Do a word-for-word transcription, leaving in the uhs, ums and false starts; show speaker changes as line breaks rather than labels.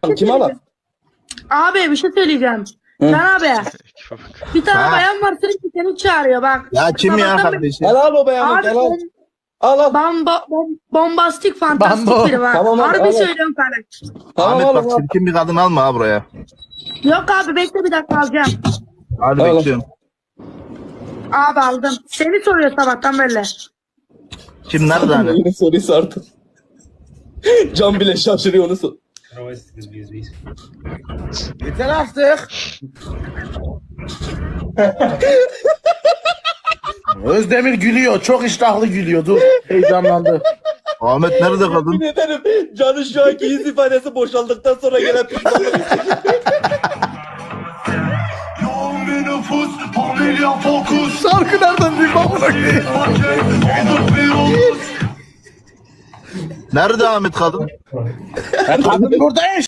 alalım? Kimi alalım?
Abi bir şey söyleyeceğim. Can abi. Bir tane
Ha.
bayan var sürekli seni çağırıyor bak.
Ya kim ya
Sabahtan beri-
kardeşim?
Gel al o beyanı
Abi
gel al.
ben
Al al.
bomba, bom, bombastik fantastik
Bambo.
biri var.
Tamam abi,
Harbi
al.
söylüyorum sana.
Tamam
Ahmet
oğlum,
bak
al.
çirkin bir kadın alma ha buraya.
Yok abi bekle bir dakika alacağım.
Hadi
Al.
bekliyorum.
Abi aldım. Seni soruyor sabahtan böyle.
Kim nerede hani?
Yine soruyu sordum. Can bile şaşırıyor onu sor. Yeter artık.
Özdemir gülüyor. Çok iştahlı gülüyor. Dur. Heyecanlandı.
Ahmet nerede kadın?
Yemin ederim Can'ın şu anki yüz ifadesi boşaldıktan sonra gelen pişmanlık.
Yoğun bir nüfus, familya fokus.
Şarkı nereden duyma bırakayım?
Paket, olduk bir ulus.
Nerede Ahmet kadın?
Kadın burada